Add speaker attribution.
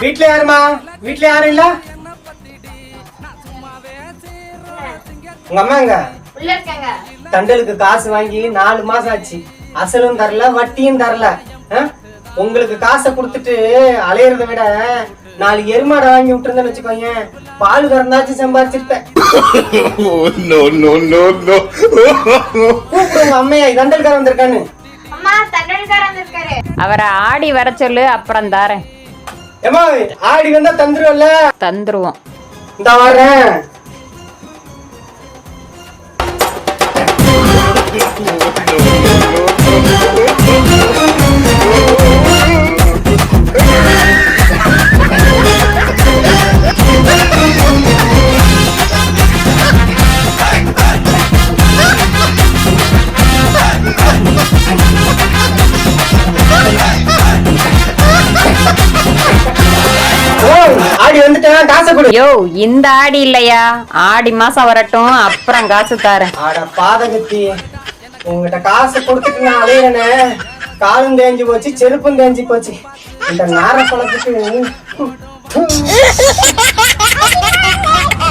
Speaker 1: வீட்ல யாருமா? வீட்ல யாரும் இல்ல? உங்க அம்மா எங்க?
Speaker 2: உள்ள இருக்காங்க.
Speaker 1: தண்டலுக்கு காசு வாங்கி 4 மாசம் ஆச்சு. அசலும் தரல, வட்டியும் தரல. உங்களுக்கு காசை கொடுத்துட்டு அலையறதை விட 4 எருமாடை வாங்கி விட்டுருந்தேன்னு வச்சுக்கோங்க, பால் கறந்தாச்சும் சம்பாதிச்சிருப்பேன். கூப்பிடுங்க அம்மையா, தண்டல்கார வந்திருக்கான்னு.
Speaker 2: அம்மா, தண்டல்கார வந்திருக்காரு.
Speaker 3: அவரை ஆடி வர சொல்லு, அப்புறம் தாரேன்.
Speaker 1: ஏமா, ஆடி வந்தா தந்துருவல்ல?
Speaker 3: தந்துருவோம்.
Speaker 1: இந்த வரேன். ஆடி வந்துட்டேன், காசை கொடு.
Speaker 3: யோ, இந்த ஆடி இல்லையா, ஆடி மாசம் வரட்டும், அப்புறம் காசு தாரேன்.
Speaker 1: ஆட பாதகத்தி, உங்ககிட்ட காசை கொடுத்துட்டு நான் அலையிறேனே, காலும் தேஞ்சு போச்சு, செருப்பும் தேஞ்சு போச்சு. இந்த நார பழத்துக்கு